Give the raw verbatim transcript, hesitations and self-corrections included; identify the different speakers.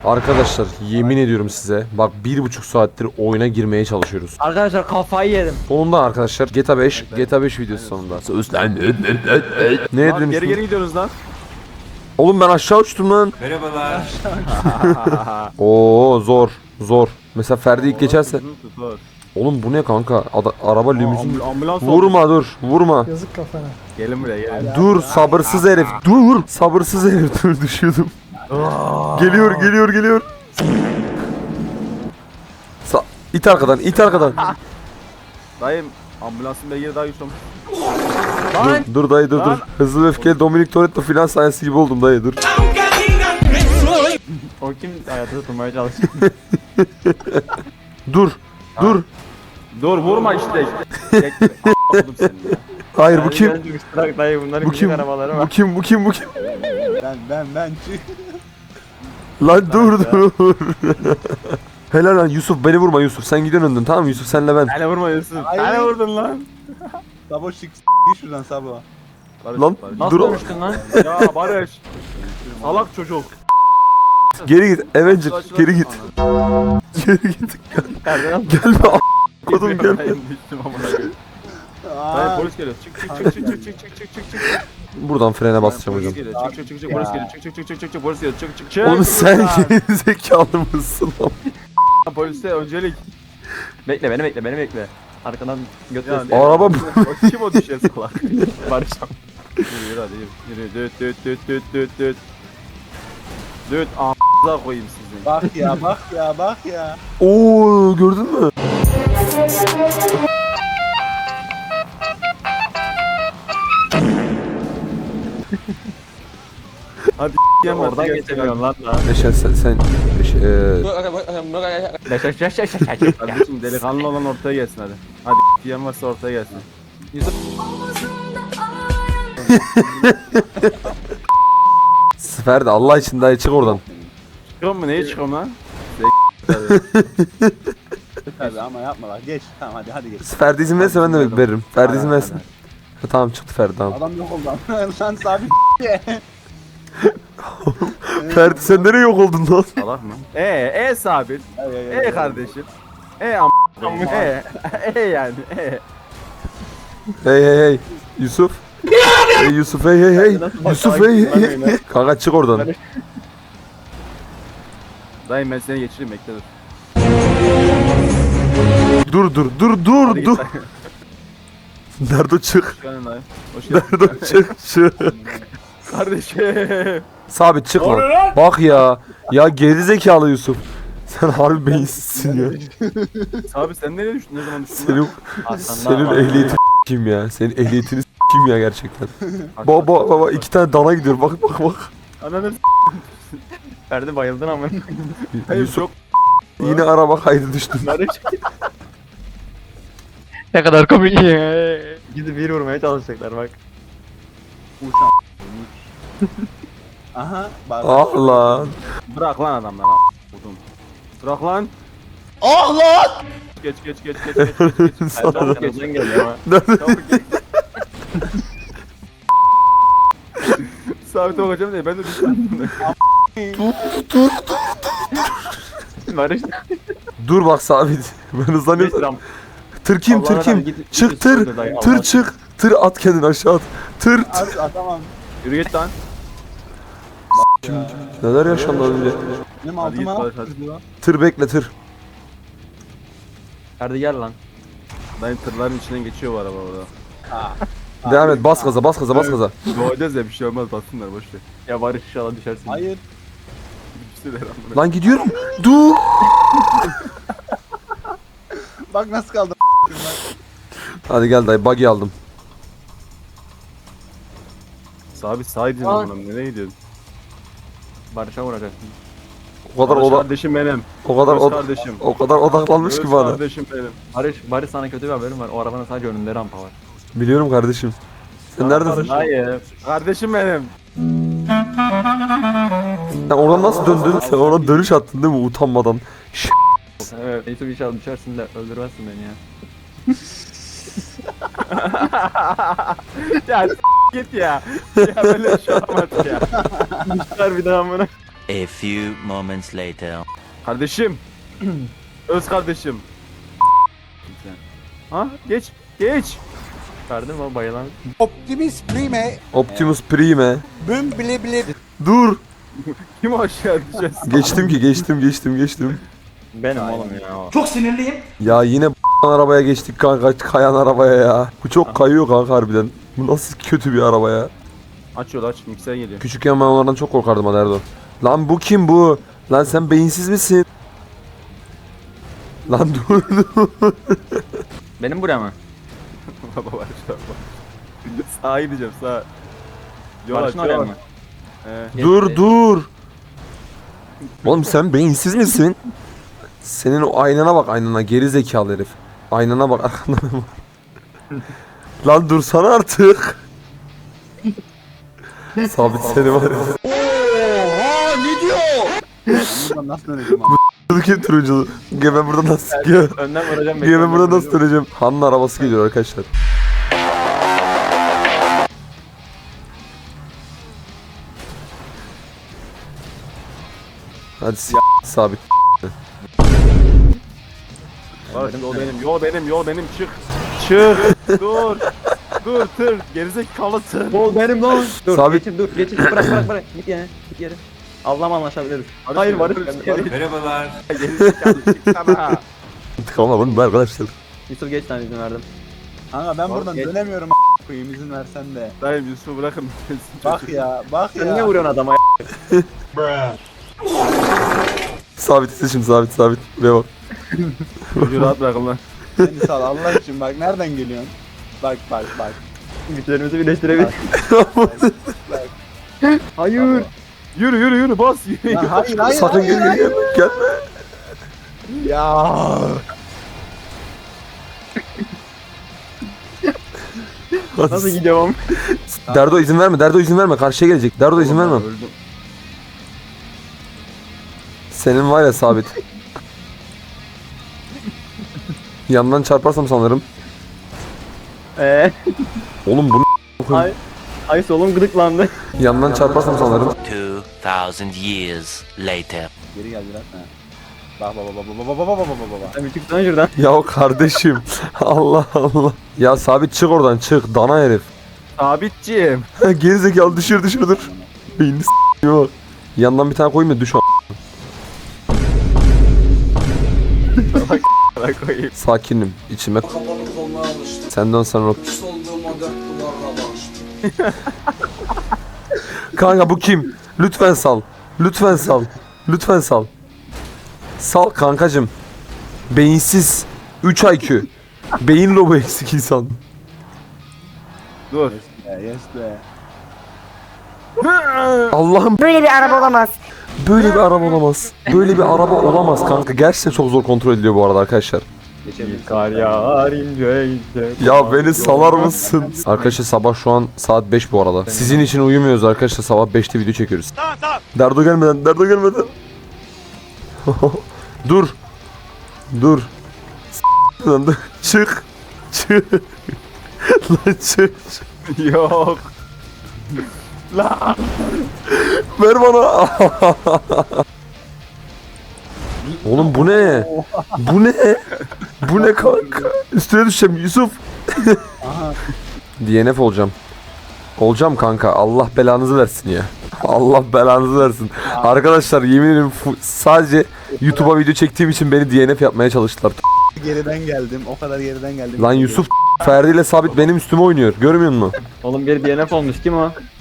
Speaker 1: Arkadaşlar yemin ediyorum size bak bir buçuk saattir oyuna girmeye çalışıyoruz.
Speaker 2: Arkadaşlar kafayı yedim.
Speaker 1: Sonunda arkadaşlar G T A beş G T A beş videosu sonunda. Ne
Speaker 3: Lan
Speaker 1: edin
Speaker 3: geri geri gidiyoruz lan.
Speaker 1: Oğlum ben aşağı uçtum lan.
Speaker 4: Merhabalar.
Speaker 1: Oo zor zor. Mesela Ferdi ilk geçerse.
Speaker 3: Dur.
Speaker 1: Oğlum bu ne kanka? Ada- araba limuzin.
Speaker 3: Ambul- ambulans oldu.
Speaker 1: Vurma dur vurma.
Speaker 2: Yazık kafana.
Speaker 3: Gelin buraya gelin.
Speaker 1: Dur sabırsız herif. Dur sabırsız herif. Dur düşüyordum. Geliyor geliyor geliyor. Sa it arkadan it arkadan.
Speaker 3: Dayım ambulansın beygiri daha güçlü olmuş.
Speaker 1: Dur, dur dayı dur dur.
Speaker 3: Lan.
Speaker 1: Hızlı ve öfkeli Dominic Toretto filan sayesi gibi oldum dayı dur.
Speaker 2: O kim hayata tutmaya çalışıyor?
Speaker 1: Dur. Dur.
Speaker 3: Dur vurma işte. Bekle. A**ladım seni ya.
Speaker 1: Hayır bu kim?
Speaker 2: Bırak dayı bunların
Speaker 1: Bu
Speaker 2: küçük
Speaker 1: kim?
Speaker 2: arabaları
Speaker 1: Bu
Speaker 2: var.
Speaker 1: kim? Bu kim? Bu kim?
Speaker 4: Ben ben ben çık.
Speaker 1: Lan dur dur. Helal lan Yusuf beni vurma Yusuf. Sen gidiyorsun önden tamam mı Yusuf senle ben.
Speaker 3: Hele vurma Yusuf.
Speaker 4: Hayır.
Speaker 3: Hele vurdun lan.
Speaker 4: Sabo çık. Git şuradan Sabo.
Speaker 3: Barış,
Speaker 1: Lan
Speaker 3: Barış.
Speaker 2: Nasıl
Speaker 1: dur.
Speaker 2: dönüştün lan?
Speaker 3: Ya Barış. Salak çocuk.
Speaker 1: Geri git. Avenger geri git. Geri git.
Speaker 2: Nereden
Speaker 1: Gelme a** kodum gel.
Speaker 3: Dayım düştüm amına koyayım. Dayım
Speaker 4: Aa,
Speaker 3: polis geliyor. Çık çık çık çık çık çık çık çık çık çık.
Speaker 1: Buradan frene basacağım
Speaker 3: Polis
Speaker 1: hocam.
Speaker 3: geliyor. Çık çık çık çık polis geliyor. Çık çık çık çık çık çık polis geliyor. Çık çık çık.
Speaker 1: Oğlum sen geri zekalı mısın lan?
Speaker 3: Polise öncelik.
Speaker 2: Bekle beni bekle beni bekle. Arkadan götür.
Speaker 3: Yani-
Speaker 1: Araba bu.
Speaker 3: O kim o düşer salak?
Speaker 2: Barışam.
Speaker 3: Yürü yürü hadi yürü. Yürü düt düt düt düt düt düt. Düt a***a koyayım sizin.
Speaker 4: bak ya bak ya bak ya.
Speaker 1: Oo gördün mü?
Speaker 3: Hadi yem
Speaker 2: Oradan geçemiyorsun lan daha.
Speaker 1: Neşe sen sen Neşe, eee,
Speaker 2: Yaş yaş yaş yaş yaş.
Speaker 3: Kardeşim delikanlı olan ortaya gelsin hadi. Hadi yem varsa ortaya gelsin.
Speaker 1: Ferdi Allah için dayı çık oradan.
Speaker 3: Çıkıyor mu neye çıkıyorum lan?
Speaker 4: Tabii ama yapma bak geç. Tamam hadi hadi geç.
Speaker 1: Ferdi izin verirse ben de veririm. Ferdi izin
Speaker 3: Hadi,
Speaker 1: versin. Ha, tamam çıktı Ferdi tamam.
Speaker 4: Adam yok oldu lan. Lan sabit.
Speaker 1: Ferdi sen nereye yok oldun lan?
Speaker 3: Salak mı? Ee, e sabit.
Speaker 4: Ay, ay, ay,
Speaker 3: E
Speaker 4: ay.
Speaker 3: kardeşim. E am. E. E yani. E.
Speaker 1: Hey hey hey Yusuf. Hey Yusuf hey hey hey. Yusuf hey hey hey. Kanka çık oradan.
Speaker 3: Dayım ben seni geçireyim bekle dur.
Speaker 1: Dur dur dur dur
Speaker 3: Hadi
Speaker 1: dur.
Speaker 3: git dayı.
Speaker 1: Nerede çık?
Speaker 3: Hoş geldin dayı. Hoş geldin.
Speaker 1: Nerede çık çık.
Speaker 3: Kardeşim.
Speaker 1: Sabit çık lan. Bak ya. Ya gerizekalı Yusuf. Sen harbi beyinsizsin ya.
Speaker 3: Abi sen nereye düştün? Ne zaman düştün?
Speaker 1: Senin, senin ehliyetin kim ya? Senin ehliyetini kim ya gerçekten? Baba baba iki tane dana gidiyor. Bak bak bak.
Speaker 3: Ananı
Speaker 2: Ferdi bayıldın ama.
Speaker 3: Hayır
Speaker 1: Yusuf
Speaker 3: çok
Speaker 1: yine araba kaydı düştün.
Speaker 2: Ne kadar komik. Gidip bir vurmaya çalışacaklar bak.
Speaker 4: Uçan. Aha bak.
Speaker 1: Ah lan.
Speaker 3: bırak lan adamları a**. Vurdum. Bırak lan. Ah lan. Geç geç geç geç geç. geç, geç.
Speaker 1: Sana-
Speaker 3: Çabuk geç.
Speaker 2: Arkadan geliyor ama.
Speaker 1: Nerede?
Speaker 3: Çabuk geç. Sabit olacağım diye ben de düştüm.
Speaker 2: Barış.
Speaker 1: Dur bak sabit. Ben hızlanıyorum.
Speaker 2: Beş ram.
Speaker 1: Tır kim
Speaker 2: Allah'ına
Speaker 1: tır kim?
Speaker 2: rağmen git-
Speaker 1: Çık
Speaker 2: git
Speaker 1: tır.
Speaker 2: üstüne dayı,
Speaker 1: Tır
Speaker 2: Allah'ına.
Speaker 1: çık. Tır at kendini aşağı at. Tır.
Speaker 4: At, atamam.
Speaker 3: Yürü git lan.
Speaker 1: Neler yaşandı az önce?
Speaker 4: Benim
Speaker 3: Hadi git
Speaker 4: altıma
Speaker 3: Barış hadi.
Speaker 1: Tır bekle tır.
Speaker 2: Ferdi gel lan.
Speaker 3: Dayım tırların içinden geçiyor bu araba orada.
Speaker 4: Ha.
Speaker 1: Devam et bas gaza bas gaza bas gaza.
Speaker 3: Doğacağız ya bir şey olmaz bassınlar boş ver.
Speaker 2: Ya Barış inşallah düşersin.
Speaker 4: Hayır.
Speaker 3: Düştüler amına.
Speaker 1: Lan gidiyorum. Dur.
Speaker 4: Bak nasıl kaldı.
Speaker 1: Hadi gel dayı buggy aldım.
Speaker 3: Sabit sağ gidin
Speaker 2: Aa.
Speaker 3: amına nereye gidiyorsun?
Speaker 2: Barış'a vuracaksın.
Speaker 1: O kadar
Speaker 3: Barış
Speaker 1: oda
Speaker 3: kardeşim benim.
Speaker 1: o kadar
Speaker 3: Barış
Speaker 1: oda
Speaker 3: kardeşim.
Speaker 1: o kadar odaklanmış
Speaker 3: Barış
Speaker 1: ki bana.
Speaker 3: kardeşim benim.
Speaker 2: Barış, Barış sana kötü bir haberim var. O arabanın sadece önünde rampa var.
Speaker 1: Biliyorum kardeşim. Sen neredesin?
Speaker 2: Hayır.
Speaker 3: Kardeşim benim.
Speaker 1: Sen oradan nasıl döndün? Sen oradan dönüş attın değil mi utanmadan?
Speaker 2: Evet. Neyse inşallah düşersin de öldürmezsin beni ya.
Speaker 3: Ya s- git ya. Ya böyle bir şey olmaz ya.
Speaker 2: Düşer bir daha amına.
Speaker 5: A few moments later.
Speaker 3: Kardeşim. Öz kardeşim. Ha geç geç. Verdim ama bayılan.
Speaker 4: Optimus Prime.
Speaker 1: Optimus Prime.
Speaker 4: Büm bile bile.
Speaker 1: Dur.
Speaker 3: Kim aşağı düşeceğiz?
Speaker 1: Geçtim ki geçtim geçtim geçtim.
Speaker 2: Benim oğlum ya.
Speaker 1: Ya yine arabaya geçtik kanka, kayan arabaya ya. Bu çok kayıyor kanka harbiden. Bu nasıl kötü bir araba ya.
Speaker 3: Aç yolu aç, mikser geliyor.
Speaker 1: Küçükken ben onlardan çok korkardım hadi Erdoğan. Lan bu kim bu? Lan sen beyinsiz misin? Lan dur dur.
Speaker 2: Benim buraya mı?
Speaker 3: Baba var şu an. Sağa gideceğim sağa. Yol aç
Speaker 2: Barış'ın oraya
Speaker 3: yol
Speaker 2: mı?
Speaker 3: aç. He.
Speaker 1: Dur dur. Oğlum sen beyinsiz misin? Senin o aynana bak, aynana geri zekalı herif. Aynana bak arkanda ne var? Lan dursana artık. Sabit seni var ya.
Speaker 4: Buradan nasıl döneceğim abi?
Speaker 1: Dur ki turunculu. Gel ben buradan nasıl gel.
Speaker 2: Önden vuracağım.
Speaker 1: Gel ben buradan nasıl döneceğim? Han'ın arabası geliyor arkadaşlar. Hadi s*** sabit.
Speaker 3: Bak yol benim, yol benim, yol benim çık. Çık. dur. Dur tır. Gerizekalı tır.
Speaker 2: Bol benim lan. Dur
Speaker 1: Sabit.
Speaker 2: geçir dur geçir bırak bırak bırak. Git yere git yere. Allah'ım anlaşabiliriz. Hayır Barış.
Speaker 3: Merhabalar. Gerizekalı çıksana.
Speaker 1: İntikam alın bu arkadaşlar.
Speaker 2: Yusuf geç lan izin verdim.
Speaker 4: Kanka ben buradan
Speaker 2: geç.
Speaker 4: dönemiyorum a**. koyayım izin versen de.
Speaker 3: Dayım Yusuf'u bırakın.
Speaker 4: Bak ya bak
Speaker 2: Sen niye
Speaker 4: ya.
Speaker 2: vuruyorsun adama?
Speaker 1: Sabit seçim sabit sabit. Buraya bak.
Speaker 3: Çocuğu rahat bırakın lan.
Speaker 4: Beni sal Allah için bak nereden geliyorsun? Bak bak bak.
Speaker 2: Güçlerimizi birleştirebilir. Hayır.
Speaker 3: Yürü yürü yürü bas. Yürü.
Speaker 4: Lan hayır hayır
Speaker 1: Sakın
Speaker 4: hayır,
Speaker 1: gel
Speaker 4: hayır.
Speaker 1: gel gel.
Speaker 4: Ya.
Speaker 2: Nasıl gidiyorum?
Speaker 1: Derdo izin verme. Derdo izin verme. Karşıya gelecek. Derdo izin verme.
Speaker 3: Öldüm.
Speaker 1: Senin var ya sabit. Yandan çarparsam sanırım.
Speaker 2: Eee.
Speaker 1: Oğlum bunu
Speaker 2: Ay. Ay solum gıdıklandı.
Speaker 1: yandan çarparsam sanırım.
Speaker 5: Two thousand years later.
Speaker 4: Geri geldi lan. Ha. Bak bak bak bak bak bak bak bak bak bak.
Speaker 2: Sen bir çıksana şuradan.
Speaker 1: Ya kardeşim. Allah Allah. Ya sabit çık oradan çık. Dana herif.
Speaker 3: Sabitciğim.
Speaker 1: Gerizekalı düşür düşür dur. Beynini s***ye bak. Yandan bir tane koyayım da düş o.
Speaker 3: Bırak koyayım.
Speaker 1: Sakinim. içime. Sen dön sen rot. Kanka bu kim? Lütfen sal. Lütfen sal. Lütfen sal. Sal kankacım. Beyinsiz. üç I Q. Beyin lobu eksik insan.
Speaker 3: Dur.
Speaker 4: Ya yes be.
Speaker 1: Allah'ım
Speaker 6: Böyle bir araba olamaz.
Speaker 1: böyle bir araba olamaz. Böyle bir araba olamaz kanka. Gerçekten çok zor kontrol ediliyor bu arada arkadaşlar.
Speaker 4: Geçebiliriz.
Speaker 2: Kar yağar ince ince.
Speaker 1: Ya beni salar mısın? Arkadaşlar sabah şu an saat beş bu arada. Sizin için uyumuyoruz arkadaşlar. Sabah beşte video çekiyoruz. Tamam tamam. Derdo gelmeden, Derdo gelmeden. Dur. Dur. S- lan dur. Çık. Çık. Lan çık.
Speaker 3: Yok.
Speaker 1: Ver bana. Oğlum bu ne? Bu ne? Bu ne kanka? Üstüne düşeceğim Yusuf.
Speaker 4: Aha.
Speaker 1: D N F olacağım. Olacağım kanka. Allah belanızı versin ya. Allah belanızı versin. Arkadaşlar yemin ederim fu- sadece YouTube'a video çektiğim için beni D N F yapmaya çalıştılar.
Speaker 4: Geriden geldim. O kadar geriden geldim.
Speaker 1: Lan Yusuf Ferdi ile Sabit benim üstüme oynuyor. Görmüyor musun?
Speaker 2: Oğlum geri D N F olmuş kim o?